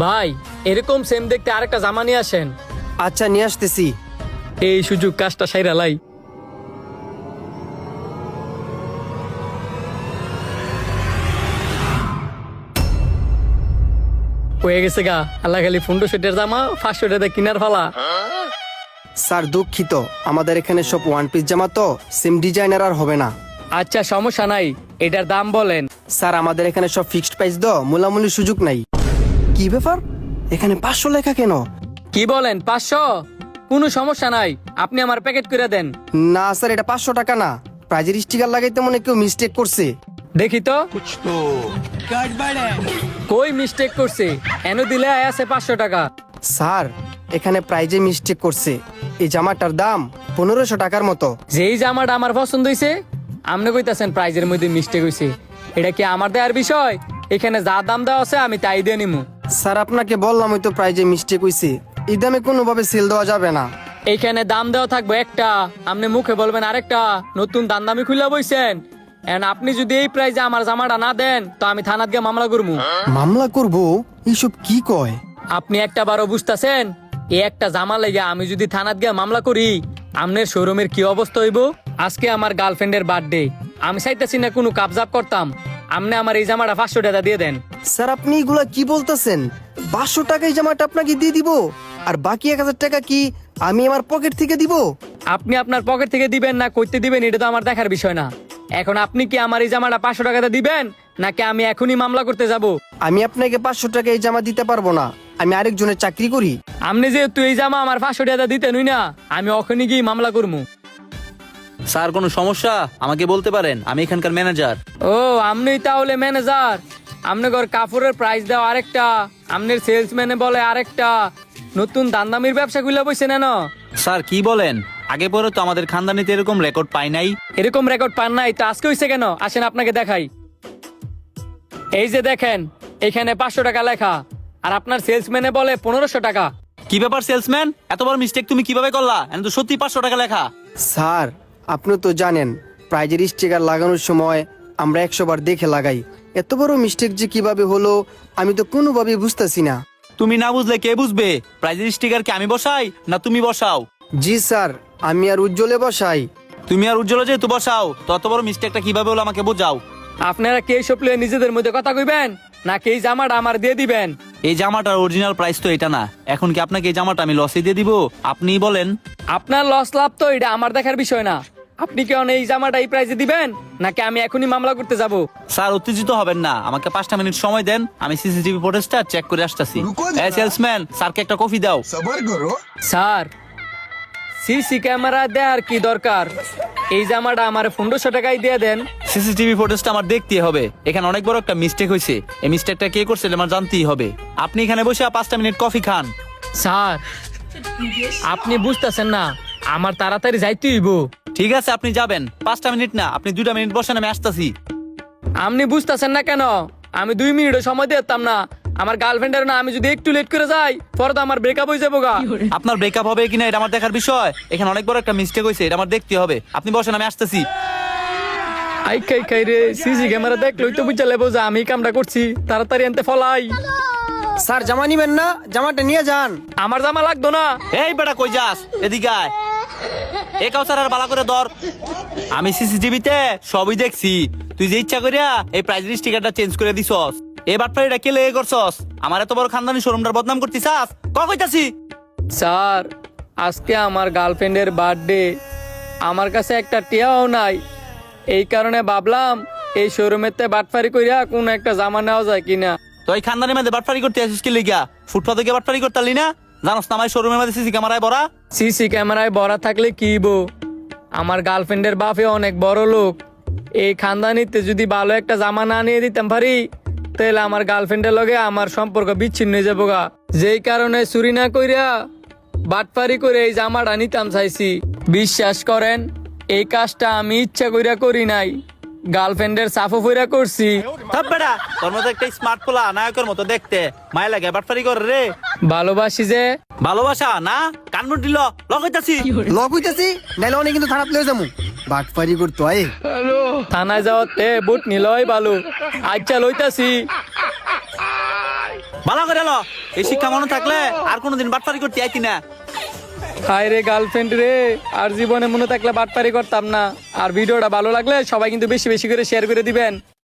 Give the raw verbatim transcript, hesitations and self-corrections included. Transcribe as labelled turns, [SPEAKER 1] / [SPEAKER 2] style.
[SPEAKER 1] ভাই এরকম সেম দেখতে আরেকটা জামা নিয়ে আসেন।
[SPEAKER 2] আচ্ছা নিয়ে আসতেছি।
[SPEAKER 1] এই সুযোগ কাজটা সাইরা লাই। হয়ে গেছে গা, আল্লাহ খালি ফুন্ডো সেটের জামা পাঁচশো টাকা কিনার ফালা।
[SPEAKER 2] স্যার দুঃখিত, আমাদের এখানে সব ওয়ান পিস জামা তো সেম ডিজাইনার আর হবে না।
[SPEAKER 1] আচ্ছা সমস্যা নাই, এটার দাম বলেন।
[SPEAKER 2] স্যার আমাদের এখানে সব ফিক্সড প্রাইস দ, মূলামূলির সুযোগ নাই। কি ব্যাপার, এখানে পাঁচশো লেখা কেন?
[SPEAKER 1] কি বলেন পাঁচশো? কোনো সমস্যা নাই, আপনি আমার প্যাকেট করে দেন।
[SPEAKER 2] না স্যার, এটা পাঁচশো টাকা না, প্রাইজের স্টিকার লাগাইতে মনে কেউ মিস্টেক করছে।
[SPEAKER 1] দেখি তো কই মিস্টেক করছে, এন দিলে আছে পাঁচশো টাকা।
[SPEAKER 2] স্যার এখানে প্রাইজে মিস্টেক করছে, এই জামাটার দাম পনেরোশো টাকার মতো।
[SPEAKER 1] যেই জামাটা আমার পছন্দ হয়েছে আপনি কইতাছেন প্রাইজের মধ্যে মিস্টেক হয়েছে? এটা কি আমার দেওয়ার বিষয়? এখানে যা দাম দেওয়া আছে আমি তাই দিয়ে নিমু।
[SPEAKER 2] স্যার আপনাকে বললাম ওই তো প্রাইজে মিস্টেক হয়েছে, এই দামে কোনোভাবে সেল দেওয়া যাবে না।
[SPEAKER 1] এইখানে দাম দেওয়া থাকবে একটা, আপনি মুখে বলবেন আরেকটা। নতুন দাম দামি খুলে বইছেন, এন্ড আপনি যদি এই প্রাইজে আমার জামাটা না দেন তো আমি থানাত গিয়ে মামলা করবো।
[SPEAKER 2] মামলা করবো? এইসব কি কয়?
[SPEAKER 1] আপনি একটা বারো বুঝতেছেন? এই একটা জামা লেগে আমি যদি থানাত গিয়ে মামলা করি, আপনার শোরুমের কি অবস্থা হইব? আজকে আমার গার্লফ্রেন্ডের বার্থডে, আমি চাইতেছি না কোনো কাবজাব করতাম, আপনি আমার এই জামাটা পাঁচশো টাকা দিয়ে দেন।
[SPEAKER 2] স্যার আপনি এগুলা কি বলতেছেন? পাঁচশো টাকায় জামাটা আপনাকে দিয়ে দিব, আর বাকি এক হাজার টাকা কি আমি আমার পকেট থেকে দিব?
[SPEAKER 1] আপনি আপনার পকেট থেকে দিবেন না কইতে দিবেন এটা তো আমার দেখার বিষয় না। এখন আপনি কি আমার এই জামাটা পাঁচশো টাকাতে দিবেন নাকি আমি এখনই মামলা করতে যাব?
[SPEAKER 2] আমি আপনাকে পাঁচশো টাকা এই জামা দিতে পারবো না, আমি আরেকজনের চাকরি করি।
[SPEAKER 1] আপনি যেহেতু এই জামা আমার পাঁচশো টাকা দিতে নই না, আমি ওখানে গিয়ে মামলা করবো।
[SPEAKER 3] স্যার কোনো সমস্যা আমাকে বলতে পারেন, আমি এখানকার ম্যানেজার।
[SPEAKER 1] ও আপনি তাহলে ম্যানেজার? আপনার কাপড়ের প্রাইস দাও আরেকটা, আপনার সেলসম্যানে বলে আরেকটা, নতুন দামদামির ব্যবসা খুলে বসে নেন।
[SPEAKER 3] স্যার কি বলেন, আগে পরে তো আমাদের খানদানিতে এরকম রেকর্ড পাই নাই।
[SPEAKER 1] এরকম রেকর্ড পান নাই তো আজকে হইছে কেন? আসেন আপনাকে দেখাই। এই যে দেখেন, এখানে পাঁচশো টাকা লেখা, আর আপনার সেলসম্যানে বলে পনেরোশো টাকা।
[SPEAKER 3] কি ব্যাপার সেলসম্যান, এত বড় মিস্টেক তুমি কিভাবে করলা? এখন তো সত্যি পাঁচশো টাকা লেখা।
[SPEAKER 2] স্যার আপনি তো জানেন প্রাইজের স্টিকার লাগানোর সময় আমরা একশো বার দেখে লাগাই, এত বড় মিস্টেক যে কিভাবে হলো আমি তো কোনোভাবে বুঝতেছি না।
[SPEAKER 3] তুমি না বুঝলে কে বুঝবে? প্রাইজের স্টিকার কি আমি বসাই না তুমি বসাও?
[SPEAKER 2] জি স্যার, আমি আর উজ্জ্বলে বসাই।
[SPEAKER 3] তুমি আর উজ্জ্বল যেহেতু বসাও, তত বড় মিস্টেকটা কিভাবে হলো আমাকে বোঝাও।
[SPEAKER 1] আপনারা কে সব নিজেদের মধ্যে কথা কইবেন নাকি এই জামাটা আমার দিয়ে দিবেন?
[SPEAKER 3] এই জামাটার অরিজিনাল প্রাইস তো এটা না, এখন কি আপনাকে এই জামাটা আমি লসে দিয়ে দিব? আপনিই বলেন।
[SPEAKER 1] আপনার লস লাভ তো এটা আমার দেখার বিষয় না। আপনি কি এই জামাটা এই প্রাইসে দিবেন নাকি আমি এখনই মামলা করতে যাব?
[SPEAKER 3] স্যার উত্তেজিত হবেন না, আমাকে পাঁচটা মিনিট সময় দেন, আমি সিসিটিভি ফুটেজটা চেক করে আসতেছি। এই সেলসম্যান, স্যারকে একটা কফি দাও।
[SPEAKER 1] স্যার সিসি ক্যামেরা দেওয়ার কি দরকার? এই জামাটা আমার পনেরোশো টাকায় দিয়ে দেন।
[SPEAKER 3] সিসিটিভি ফুটেজটা আমার দেখতে হবে, এখানে অনেক বড় একটা মিস্টেক হয়েছে, এই মিস্টেকটা কে করছে আমার জানতেই হবে। আপনি এখানে বসে পাঁচটা মিনিট কফি খান।
[SPEAKER 1] স্যার আপনি বুঝতেছেন না, আমার তাড়াতাড়ি যাইতে হইব।
[SPEAKER 3] ঠিক আছে আপনি যাবেন, পাঁচটা মিনিট না আপনি দুইটা মিনিট বসেন, আমি আসতেছি।
[SPEAKER 1] আপনি বুঝতেছেন না কেন? আমি দুই মিনিটও সময় দিতাম না আমার গার্লফ্রেন্ডের না, আমি যদি একটু লেট করে যাই পরে তো আমার ব্রেকআপ হয়ে যাবো গা।
[SPEAKER 3] আপনার ব্রেকআপ হবে কিনা এটা আমার দেখার বিষয়, এখানে অনেক বড় একটা মিস্টেক হয়েছে, এটা আমার দেখতে হবে। আপনি বসেন, আমি আসতেছি।
[SPEAKER 1] আই খাই খাই রে, সিসি ক্যামেরা দেখলই তো বুঝা লেবো যে আমি কামটা করছি, তাড়াতাড়ি আনতে ফলাই।
[SPEAKER 2] স্যার জামা নিবেন না? জামাটা নিয়ে যান।
[SPEAKER 1] আমার জামা লাগতো না।
[SPEAKER 3] এই বেটা কই যাস, এদিকে আয়। এ কাউসার আর বালা করে ধর, আমি সিসিটিভিতে সবই দেখছি। তুই যে ইচ্ছা করিয়া এই প্রাইজের স্টিকারটা চেঞ্জ করে দিছস, এই বাটপাড়িটা কে লেগে করছস? আমার এত বড় খানদানি শোরুমটার বদনাম করতিছাস, ক কইতাছি।
[SPEAKER 1] স্যার আজকে আমার গার্লফ্রেন্ডের বার্থডে, আমার কাছে একটা টিয়াও নাই, এই কারণে ভাবলাম এই শোরুমেতে বাটফারি কইরা কোন একটা জামা নেওয়া যায় কিনা।
[SPEAKER 3] তো এই খানদানি মধ্যে বাটপাড়ি করতে আসিস কি লিগা? ফুটপাতে গিয়ে বাটপাড়ি করতালি না? জানোস না আমার শোরুমের মধ্যে সিসি ক্যামেরায় ভরা।
[SPEAKER 1] সিসি ক্যামেরায় ভরা থাকলে কি বো, আমার গার্লফ্রেন্ডের বাপে অনেক বড় লোক, এই খানদানিতে যদি ভালো একটা জামা না নিয়ে দিতাম পারি তাহলে আমার গার্লফ্রেন্ডের লগে আমার সম্পর্ক বিচ্ছিন্ন হয়ে যাবো গা। যেই কারণে চুরি না কইরা বাটপারি করে এই জামাটা নিতাম চাইছি। বিশ্বাস করেন এই কাজটা আমি ইচ্ছা কইরা করি নাই, গার্লফ্রেন্ডের সাফো ফইরা করছি।
[SPEAKER 3] থাপ বেটা, তোর মতো একটা স্মার্ট পোলা নায়কের মতো দেখতে, মায় লাগে বাটপাড়ি করে রে।
[SPEAKER 1] ভালোবাসি যে।
[SPEAKER 3] ভালোবাসা না, কানমুট দিল লগাইতাছি।
[SPEAKER 2] লক হইতাছি, নাইলে অনেক কিন্তু থানাত লয়ে যামু। বাটপারি করতো আয়।
[SPEAKER 1] থানায় যাওয়াতে বুট নিলই ভালো। আচ্ছা লইতাছি।
[SPEAKER 3] ভালো করে ল। এই শিক্ষা মনে থাকলে আর কোনোদিন বাটপারি করতে আইতি না।
[SPEAKER 1] হায় রে গার্লফ্রেন্ড রে, আর জীবনে মনে থাকলে বাটপারি করতাম না। আর ভিডিওটা ভালো লাগলে সবাই কিন্তু বেশি বেশি করে শেয়ার করে দিবেন।